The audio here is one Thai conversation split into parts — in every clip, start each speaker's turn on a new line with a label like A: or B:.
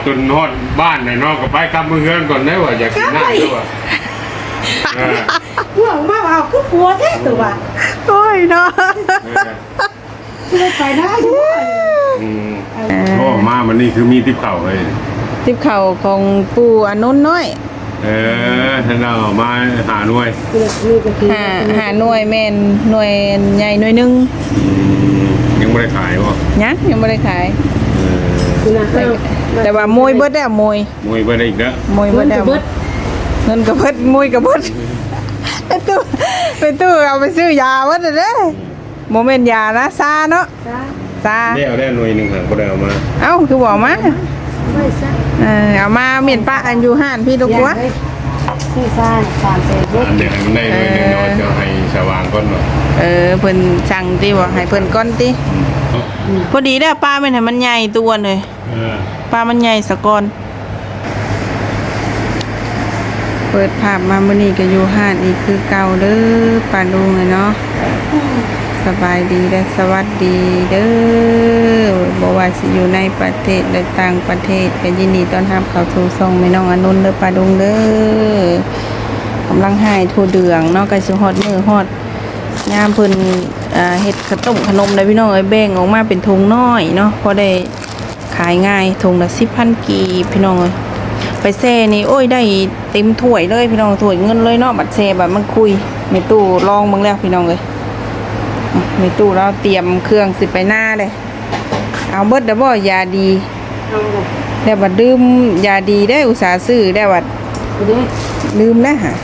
A: จนฮอดบ้านน่ะเนาะก็ไปกลับมือเฮือนก่อนได้ว่าอยากกินน้ำด้วย
B: พวกมาเอาคือผัวแท้ตัว
C: โอ้ยเนาะ
B: ไปได้ด้วย
A: โอ้มาวันนี้คือมีทิพเข่าเลย
C: ติบเข่าของปู่อนุนน้อย
A: ท่านเรามาหาหน่วย
C: หาหน่วยแม่นหน่วยใหญ่หน่วยหนึง
A: ยังไม่ได้ขายบ่
C: ยังบ่ได้ขาย
B: คุณนะ
C: แต่ว่ามวยเบิดแล้วมวย
A: มวยไปได้อีกแล้ว
C: มวยเบิดแล้วเงินก็เบิดมวยก็เบิดไปตู้เอาไปซื้อยาเบิดเด้อโมเมนต์ยานะซาเนาะซา
A: ได้หน่วยหนึ่งหางก็ได้เอามา
C: เอ้าคือบอกมา
B: ไม่ใช่
C: เอามาเมียนปะอันอยู่ห้านพี่ลูกวัว
B: ที่ซ่าน3 เซน
A: อันเดียวให้มันได้หน่วยหนึ่งเนาะจะให้สว่างก่อนหน่อย
C: เพิ่นสั่งติบ่ให้เพิ่นก้อนติพอดีเด้อปลาแม่นให้มันใหญ่ตัวเลยปลามันใหญ่สะก่อนเปิดภาพมามื้อนี้ก็อยู่ห้านอีกคือเก่าเด้อป้าลุงเนาะสบายดีและสวัสดีเด้อบ่ว่าสิอยู่ในประเทศหรือต่างประเทศก็ยินดีต้อนรับเข้าสู่ช่องแม่น้องอนุนเด้อป้าลุงเด้อกำลังหายทั่วเดืองเนาะก็สิฮอดมื้อฮอดยามเพิ่นเฮ็ดข้าวต้มขนมได้พี่น้องเอ้ยแบ่งออกมาเป็นถุงน้อยเนาะพอได้ขายง่ายถุงละ 10,000 กีบพี่น้องเอ้ยไปแซ่นี่โอ้ยได้เต็มถ้วยเลยพี่น้องถ้วยเงินเลยเนาะบัดแซ่บัดมันคุยแม่ตู้ลองเบิ่งแล้วพี่น้องเอ้ยแม่ตู้เราเตรียมเครื่องสิไปหน้าเลยเอาเบิดเด้อบ่ยาดีแล้วบัดดื่มยาดีได้อุตส่าห์ซื้อได้บัดลืมแล้วฮะ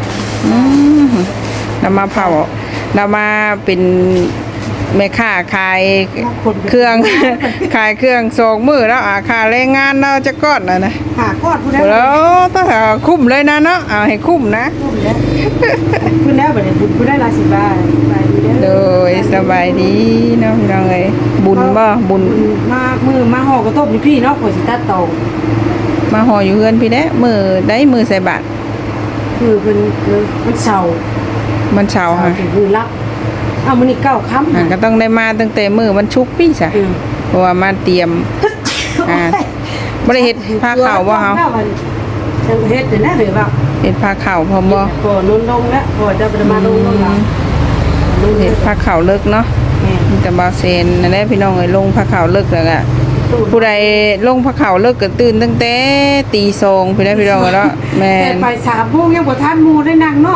C: เรามาเผาเรามาเป็นแม่ค้าขายเครื่อง ขายเครื่อง2 มื้อแล้วค่าแรงงานเราจะก้อนนะ
B: หากอดผู้ใด
C: แล้วถ้าคุ้มเลยนะเนาะเอาให้คุ้มนะ
B: ผู้แล้วบ่ได้ผู้ได้ละ10 บาทไปดี
C: โด
B: เด้อย
C: สบายดีเนาะพี่น้องเอ้ยบุญบ่บุญ
B: มามือมาห่อกระต้มนี่พี่เนาะข่อยสิตัดตอ
C: มาห่ออยู่เฮือนพี่แด้มือได้มือใส่บาตร
B: คือเพิ่นมันเศร้า
C: มันเช้าค่ะ
B: คือรับเอามื้อนี้9 ค่ำ
C: ก็ต้องได้มาตั้งแต่มือมันชุกพี่จ้ะเพราะว่ามาเตรียมบ่ได้เฮ็ดผ้าขาวบ่เฮา
B: จังเฮ็ดนะเฮ้ยว่า
C: เฮ็ดผ้าขาวพร้อมบ่
B: ก็นนลงแล้วพอจะมาลงแล้วลง
C: เฮ็ดผ้าขาวเลิกเนาะมีแต่บ่าวเซนนั่นแหละพี่น้องเอ้ยลงผ้าขาวเลิกแล้วก็ผู้ใดลงผ้าขาวเลิกก็ตื่นตั้งแต่ตี2พี่น้องเนาะแม่
B: แต่ไป3 โมงยังบ่ทันหมู่ได้นั่งนอก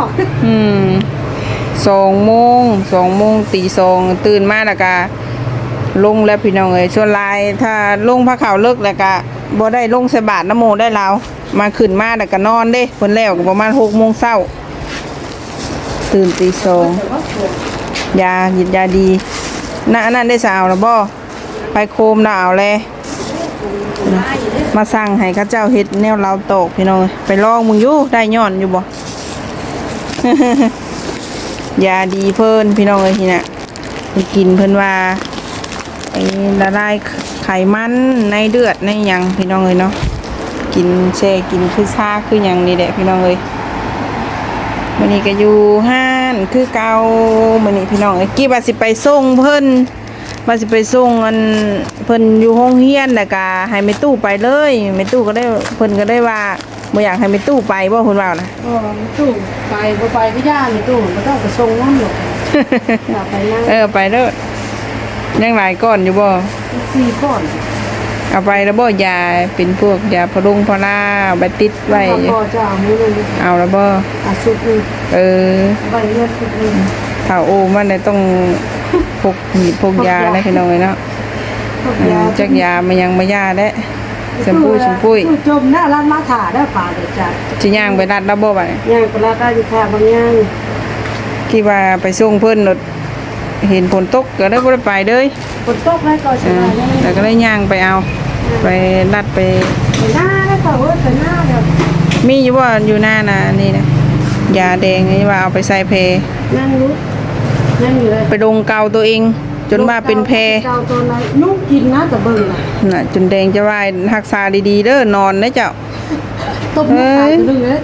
C: 2 โมงตี 2ตื่นมาแล้วก็ลงแล้วพี่น้องเอ้ยส่วนหลายถ้าลงผ้าขาวเลิกแล้วก็บ่ได้ลงใส่บาตรน้ำโมได้แล้วมาขึ้นมาแล้วก็นอนเด้เพิ่นแล้วก็ประมาณ 6 โมงเช้าตื่นตี 2ยาหยิดยาดีน่ะอันนั้นได้สาวแล้วบ่ไปโคมน่ะเอาแลมาสั่งให้เขาเจ้าเฮ็ดแนวลาวโตกพี่น้องไปลองมึงอยู่ได้ย้อนอยู่บ่ ยาดีเพิ่นพี่น้องเอ้ยทีน่ะไปกินเพิ่นว่าไอ้ละลายไขมันในเลือดในหยังพี่น้องเอ้ยเนาะกินแช่กินคือชาคือหยังนี่แหละพี่น้องเอ้ยมื้อนี้ก็อยู่ห้านคือเก่ามื้อนี้พี่น้องเอ้ยกี่ว่าสิไปส่งเพิ่นว่าสิไปส่งอันเพิ่นอยู่โรงเรียนแล้วก็ให้แม่ตู้ไปเลยแม่ตู้ก็ได้เพิ่นก็ได้ว่าบ่อยากให้แม่ตู้ไปบ่เพิ่นว่านะ
B: ตู้ไปบ่ไปก็ย่านี่ตู้บ่ต้องไปส่งน้ำหรอกไปนั่ง
C: ไปเด้อยังหลายก้อนอยู่บ่
B: 4 ก้อน
C: เอาไปแล้วบ่ยาเป็นพวกยาพะรุงพะลาเอาไปติดไว้
B: พอจะเอามื้อนึง
C: เอาแล้วบ่
B: สุดนึง ใบเลือดสุดนึง
C: ถ้าโอมันได้ต้องพกหีบพกยาได้พี่น้องเนาะจักยามันยังบ่ยาได้ชมปุ้ย
B: จมหน้าร้านมาถ่าได้ป่าเด้อจ้ะ
C: สิย่างไปรัดแล้วบ่บัดนี้
B: ย่างปลาได้อยู่ค่ะบางย่าง
C: คิดว่าไปส่งเพิ่นรถเห็นฝนตกก็ได้บ่ได้ไปเด้ย
B: ฝนตกแล้วก็สิมาได้
C: แต่ก็ได้ย่างไปเอาไปรัดไป
B: หน้าแล้วก็ไปหน้าเด้อ
C: มีอยู่บ่อยู่หน้าน่ะนี่นะยาแดงนี่ว่าเอาไปใส่เพ
B: นั่งรู้นั่งอยู่เลย
C: ไปดงเกาตัวเองจนว่าเป็นแพ
B: เจ้าตัวนั้นนุ่งกินนะแต่เบิ่งน่ะ
C: น่ะจนแดงจะวายรักษาดีๆเด้อนอนนะเจ้า
B: ตบตายจะดึงเลย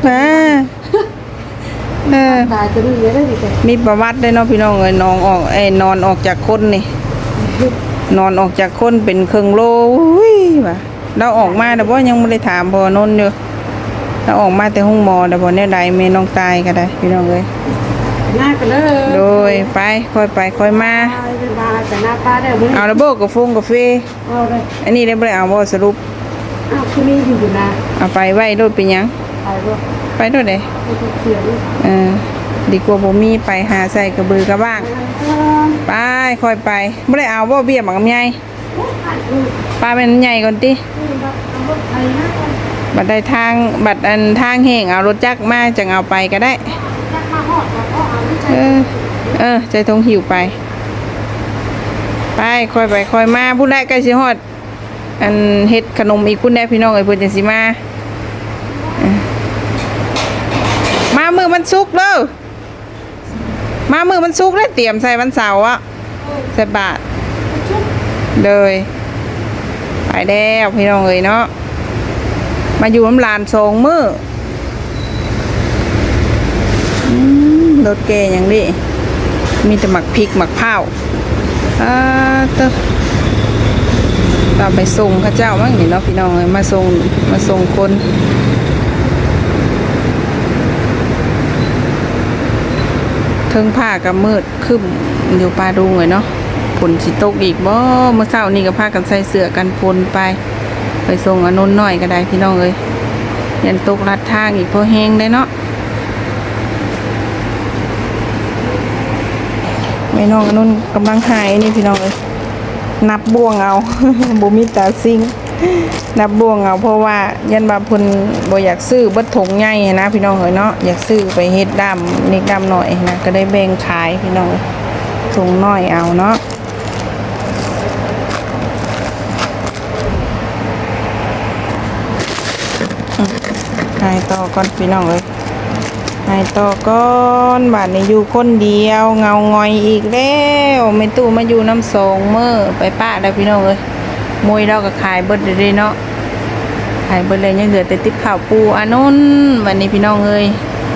B: ตายจะดึงเลยได้ดิแก
C: มีประวัติได้เนาะพี่น้องเอ้ยนอนออกจากคนนี่นอนออกจากคนเป็นเครื่องโลอุ้ยว่ะเราออกมาแต่บ่ยังบ่ได้ถามบ่นนอยู่เราออกมาแต่ห้องหมอแต่บ่แนวใดแม่น้องตายก็ได้พี่น้องเอ้ย
B: หน้ากันเลย
C: โดยไปค่อยไปค่อยมา
B: ไปมาแต่หน้าป้าได้บ่
C: เอาระเบิดกาแฟกาแฟ
B: เอาเลย
C: อันนี้ได้บ่ได้เอาบ่สรุป
B: อ้าวคือมีอยู่นะ
C: เอาไปไว้โดดเป็นหยัง
B: ไปบ่
C: ไปโดดเด้
B: ไปเขียน
C: ดีกว่าบ่มีไปหาใส่กระบือกระบ้าง ไปค่อยไปบ่ได้เอาบ่เบี้ยหมักลำไยปลาเป็นใหญ่ก่อนติบัดได้ทางบัดอันทางแห้งเอารถจักรมาจังเอาไปก็ได้ใจทงหิวไปไปค่อยไปค่อยมาผู้ใดใกล้สิฮอดอันเฮ็ดขนมอีกผู้ใดพี่น้องเอ้ยเพิ่นจังสิมามามือมันสุกเด้อมามือมันสุกแล้วเตรียมใส่วันเสาร์อ่ะใส่บาทเลยไปแล้วพี่น้องเอ้ยเนาะมาอยู่น้ำลาน2 มื้อรถแกอย่างนี้มีแต่หมักพริกหมักเผาตามไปส่งข้าเจ้ามั้งนี่เนาะพี่น้องเอ้ยมาส่งคนเทิงผ้ากับมืดคึมอยู่ปลาดุงเลยเนาะฝนสิตกอีกบ่เมื่อเช้านี่ก็พากันใส่เสื้อกันฝนไปส่งอนนท์น้อยก็ได้พี่น้องเอ้ยยันตกลัดทางอีกพอแห้งได้เนาะแม่น้องอนนท์กำลังหายนี่พี่น้องเอ้ยนับบ่วงเอา บ่มีตาซิงนับบ่วงเอาเพราะว่ายันบาเพิ่นบ่อยากซื้อเบิดถุงใหญ่นะพี่น้องเอ้ยเนาะอยากซื้อไปเฮ็ดดำนิกดำหน่อยนะก็ได้แบ่งขายพี่น้องถุงน้อยเอาเนาะหายต่อก่อนพี่น้องเอ้ยหายต่อก่อนบาดนี้อยู่คนเดียวเงางอยอีกแล้วแม่ตู้มาอยู่น้ำ2 มื้อไปป้าได้พี่น้องเอ้ยมวยเราก็ขายเบิดเลยเนาะขายเบิดเลยยังเหลือแต่ติ๊บข้าวปูอันนู้นวันนี้พี่น้องเอ้ย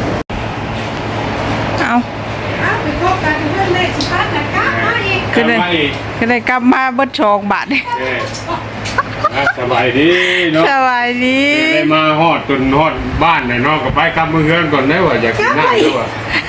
C: เอา
B: ไปพบกันเรื่องเลขสิพัดนะกะมาอีก
C: ก็ได้กลับมาเบิด2 บาท
A: สบายดีเนาะ
C: สบายดี
A: ได้มาฮอดจนฮอดบ้านน่ะเนาะก็ไปกลับมือเฮือนก่อนได้ว่าอยากกินน้ำด้วย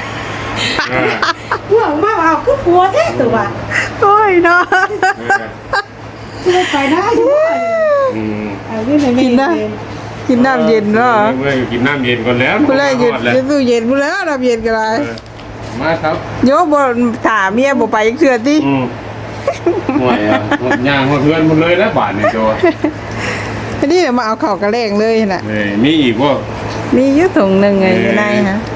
B: พวกมาเอาคือผัวแท้ตัว
C: โอ้ยเนาะ
B: เลยไปได้ด้วย เอาเรื่องในกินนะ
C: กินน้ำเย็นเนาะ
A: เมื่อกินน้ำเย็นก่อนแล้ว
C: ผู้แรกเย็นตู้เย็นผู้แล้วน้ำเย็นกันเลย
A: มาครับ
C: โยบถามเมียบ่ไปเชื่อติ
A: ห่วยอ่ะหมดย่างหมดเพื่อนหมดเลยแล้วบาทนี่โจ
C: อันนี้มาเอาข้าวกระแลงเลยน่ะ
A: มีอีกบ่
C: มีอยู่ถุงนึงไงอยู่ในฮะ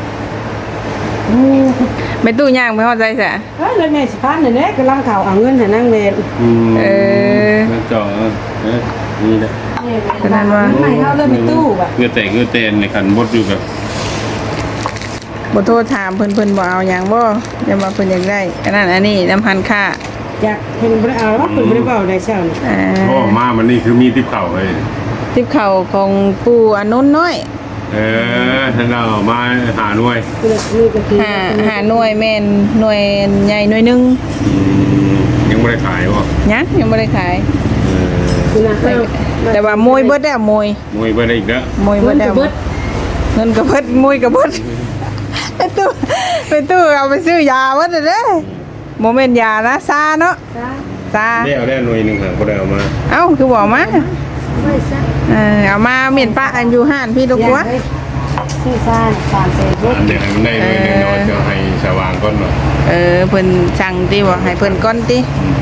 C: ไม่ตู้ย่างไปฮอดใจซะ
B: เฮ้ยแล้วแม่สิพัดนี่แหละกำลังข่าวเอาเงินให้นางแม่
A: มันจ่อนี่แหละ
B: ขนาดว่าให้เฮาเลยมีตู้บ่ะ
A: เงือแต่เงือเตนในขันบดอยู่กับ
C: บ่โทรถามเพิ่นบ่เอาหยังบ่อย่ามาเพิ่นอยากได้อันนั้นอันนี้น้ำพันค่า
B: อยากเพิ่นบ่ได้เอาว่าเพิ่นบ่ได้เว้าได้เช้านี่
A: พ่อมามันนี่คือมีทิพเข่าเลย
C: ทิปข้าวของปู่อนุนน้อย
A: ท่านเรามาหาหน่วย
B: นี่ก็คือ
C: หาหน่วยแม่นหน่วยใหญ่หน่วยหนึง
A: ยังไม่ได้ขายบ่
C: ยังบ่ได้ขาย
B: คือนะ
C: แต่ว่ามวยเบิดแล้วมวย
A: มวยไปได้อีกแล้ว
C: มวยเบิดแล้วเงินก็เบิดมวยก็เบิดไปตู้เอาไปซื้อยาเบิดเด้อบ่แม่นยานะซาเนาะซา
A: ได้เอาได้หน่วยหนึงค่ะบ่ได้เอามา
C: เอ้าคือบอกมา
B: ไม่ซะ
C: เอามาเมียนป้าอันอยู่ห้านพี่ลูกวัว
B: ชื่อซ่าน3เซนบ่
A: อันเดียวให้มันได้หน่วยหนึงเนาะจะให้สว่างก่อนเนาะ
C: เพิ่นสั่งติบ่ให้เพิ่นก่อนติ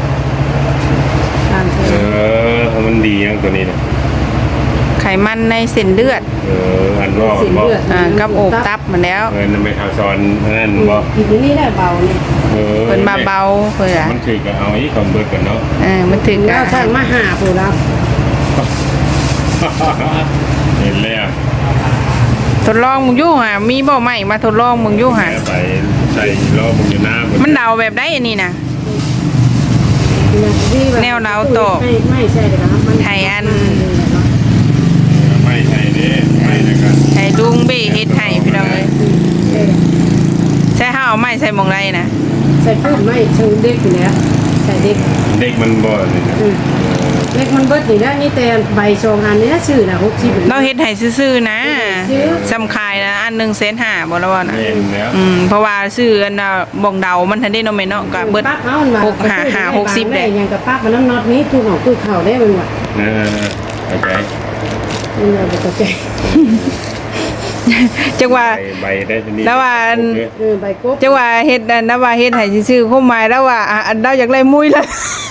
C: 3เซน
A: ให้มันดีอย่างตัวนี้นะ
C: ไขมันในเส้นเลือด
A: อันรอบบ่
C: กับโอบตับมันแล้ว
A: นั่นไม่ทาซอนนั่นบ่
B: กินนี่ได้เบานี่
C: เพิ่นมาเบาเพิ่นอ่ะ
A: มันถือก็เอาอีกของเบิดกันเนาะ
C: มันถึง
B: แล้วช่างมาหาผู้รับ
A: เห็นแล้ว
C: ทดลองมึงอยู่ห่ามีบ่ใหม่มาทดลองมึงอยู่ห่า
A: ไปใส่รอบมึงอยู่หน้า
C: มันเดาแบบได้อันนี้นะ แนวเราตก
B: ไม่ใช่เลยครับมัน
C: ไทยอัน
A: ไม่ใช่เด้ไม่นะครับ
C: ไทยลุงเบ้เฮ็ดให้พี่น้องเอ้ยใช่เฮาเอาไม้ใส่หมองไรนะ
B: ใส่พูดไม่เชิงเด็กอยู่แล้วใส่เเด็ก
A: เด็กมันบ่นี่นะ
B: เล็กมันเบิดนี่นะนี่แต่ใบ2อันนี่นะชื่อน่ะ60
C: เราเฮ็ดให้ซื่อๆนะสำคายนะอัน1.5 แสนบ่ละบ่น่ะ
A: แม่นแล้ว
C: เพราะว่าซื้ออันน่ะบ่งเดามันทันได้เนาะแม่เนาะก็เบิด
B: ปั๊บเอามันว่า
C: 60
B: ได้
C: เด้
B: ยังกับปั๊บมันน้ำน็อตนี้ตู้ของตู้เข้าได้มันว่า
A: โอเค
B: มันว่าบ่เข้าใจ
C: จังว่า
A: ใบได้ทีนี้
C: แล้วว่า
B: ใบกบ
C: จังว่าเฮ็ดอันนะว่าเฮ็ดให้ซื่อๆความหมายแล้วว่าอันเราอยากได้มุ้ยละ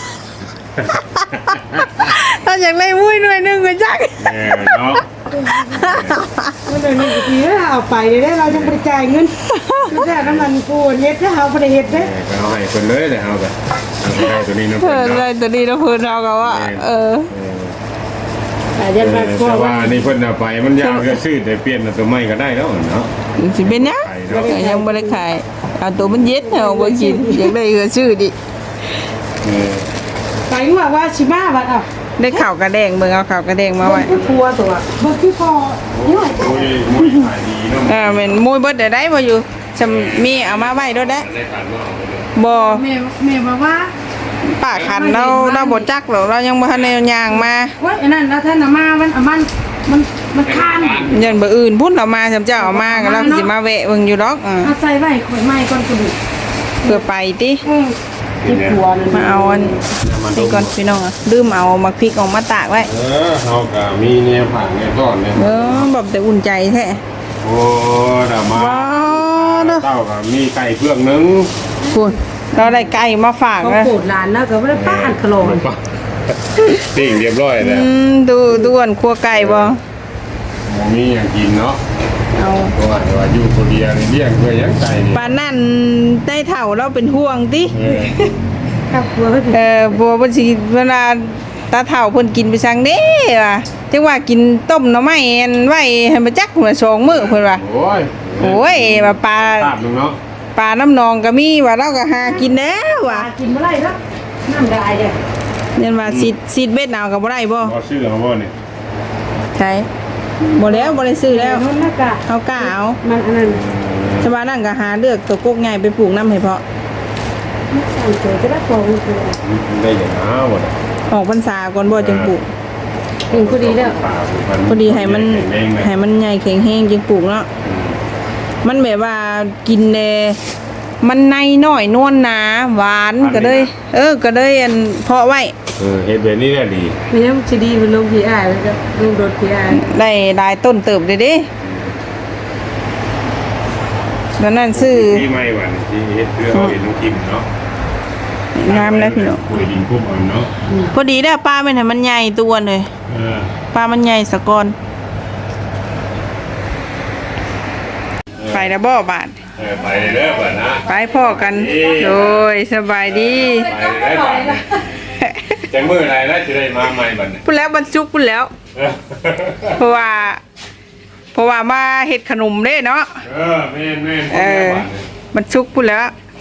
C: เราอยากได้มุ้ยหน่วยหนึงก็จัก
A: เนาะ
B: มันเลยนี่ทีเอาไปได้เรายังบ่ได้จ่ายเงินคือแท้น้ำมันกูเฮ็ดถ้าเฮาบ่ได้เฮ็ดเด้
A: ก็เอาให้คนเลยเลยเอาไปเอาไปให้ตัวนี้เนาะ
C: เพิ่นเลยตัวนี้เราเพิ่นเราก็ว่า
B: แต่ยันมา
A: แต่ว่านี่เพิ่นเอาไปมันยากจะซื้อแต่เปลี่ยนตัวใหม่ก็ได้แล้วเนาะ
C: สิเป็นหยังก็ยังบ่ได้ขายเอาตัวมันเย็ดเอาบ่กินอยากได้ก็ซื้อดิ
B: ไปว่าสิมาบัดอ่ะ
C: ได้ข้าวกระแดงเบิ่งเอาข้าวกระแดงมาไว้
B: กลัวตัวบ่คือพอน้อย
A: มุ้ยขายดีเนาะ
C: แม่นมุ้ยเบิดได้บ่อยู่จำมีเอามาไว้ด้วยได้
A: ได้ผ่านว่าเอาไปเลย
C: บ่
B: แม่บอกว่า
C: ป้าคันเราบ่จักหรอกเรายังบ่ทันได้ย่างมา
B: ว่าอันนั้นแล้วท่านมามันคาน
C: ยันบ่อื่นพุ่นเอามาสำเจ้าเอามาก็เราสิมาแวะเบิ่งอยู่ดอก
B: เอาใส่ไว้ข่อยไม้ก่อนกระดูก
C: เพื่อไปติ
B: ที่ครัวนั่น
C: มาเอาอันนี่ก่อนพี่น้องลืมเอามาพริกออกมาตากไว้
A: เฮาก็มีแนวผ่านแนวต้อนเนี่ย
C: แบบแต่อุ่นใจแท้
A: โอ้ดามา
C: ว้าวเด้อ
A: เต้าก็มีไก่เพื่องนึง
C: คุณเราได้ไก่มาฝาก
B: เขา
C: นะ
B: โกรธหลานแล้วก็บ่ได้ป้าอันขลอน
A: ติ่งเรียบร้อยแล้ว
C: ดูอันครัวไก่บ่
A: บ่มีหยังกินเนาะ
C: เอา
A: เพราะว่าอยู่คนเดียวนี่เลี้ยงเพื่อหยังไก่นี่
C: ปานนั่นได้เฒ่าเราเป็นห่วงติ
B: ครับครัวเพิ่น
C: บัวเพิ่นสิเวลาตาเฒ่าเพิ่นกินไปซังเด้ว่ะจังว่ากินต้มหน่อไม้อันไว้ให้มาจักหัว2มื้อเพิ่นว่า
A: โอ้ย
C: โอ้ยว่าปลา
A: ตามลุงเนาะ
C: ปลาน้ำนองก็มีว่าเราก็หากินแล้วว่ะ
B: กินบ่ได้ครับน้ำได้เด้
C: เรียนว่าซีดเบ็ดเอาก็บ่ได้บ่
A: บ่ซื้อเอาบ่นี่
C: ใช่บ่แล้วบ่ได้ซื้อแล้ว
B: มันน่ะกะ
C: เอากล้าเอา
B: มันอันนั้น
C: ชาวบ้านนั่นก็หาเลือกตัวกกใหญ่ไปปลูกน้ำให้เพาะ
B: สั่งเจอจะได้ของคือ
A: ได้อย่างน้าบ่ได้
C: ออกพรรษาก่อนบ่จึงปลูก
B: กินพอดีแล้ว
C: พอดีให้มันใหญ่แข็งแรงจึงปลูกเนาะมันแบบว่ากินแน่มันในน้อยนวลหนาหวานก็เลยก็เลยอันเพาะไว้
A: เฮ็ดแบบนี้แหละดี
B: มีน้ำสิดีมันลงพี่อ้ายแล้วก็ลงรถพี่อ้าย
C: ได้หลายต้นเติบเลยเด้แล้วนั่นซื้อ
A: ที่ไม่หวานที่เฮ็ดเพื่อเอาเห็นน้องกิมเนาะ
C: งามแล้วพี่น้อง
A: คุยดินกุ้มเอาเนาะ
C: พอดีได้ปลามันให้มันใหญ่ตัวเลย
A: เออ
C: ปลามันใหญ่สะก่อนไปแล้วบ่บาด
A: ไปเด้อบ่นะ
C: ไปพ่อกันโดยสบายดี
A: ไปได้บ่จังมื้อไหนแล้วสิได้มาใหม่บัดนี้
C: พูดแล้วบรรจุพูดแล้ว เพราะว่ามาเฮ็ดขนมเด้เนาะ
A: แม่น
C: บรรจุพูดแล้ว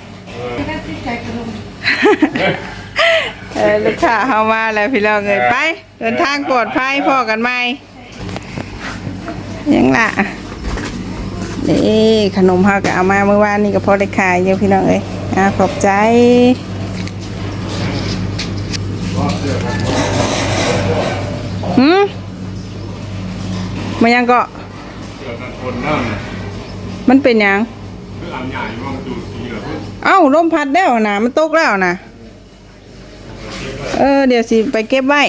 C: ลูกค้าเข้ามาแล้วพี่น้องเอ้ยไปเดินทางปลอดภัยพ่อกันใหม่ยังล่ะนี่ขนมเฮาก็เอามาเมื่อวานนี่ก็พอได้ขายอยู่พี่น้องเอ้ยขอบใจมันยังก็
A: เสื้อกันคนเนาะ
C: มันเป็นหยัง
A: คืออันใหญ่มองดูสีเหลือง
C: เอ้าลมพัดแล้วนะมันตกแล้วนะเดี๋ยวสิไปเก็บไว้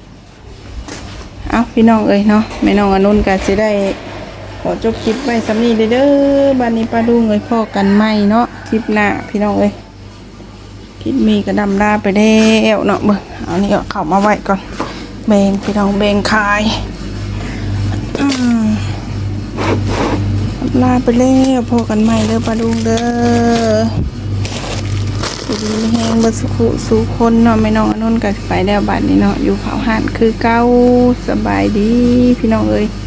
C: เอาพี่น้องเอ้ยเนาะแม่น้องอนุนก็สิได้ขอจบคลิปไว้สำนี้เด้อบ้านนี้ป้าดุงเอ้ยพ่อกันใหม่เนาะคลิปหน้าพี่น้องเอ้ยคลิปมีก็ดำลาไปแล้วเนาะเบิ่งเอานี่ก็เข้ามาไว้ก่อนแบ่งพี่น้องแบ่งขายลาไปแล้วพอกันใหม่เด้อปลาดุงเด้อสุดแห้งบัสุขุสู่คนเนาะไม่น้องอนุนกันไปแล้วบัดนี้เนาะอยู่เผาห่านคือเก้าสบายดีพี่น้องเอ้ย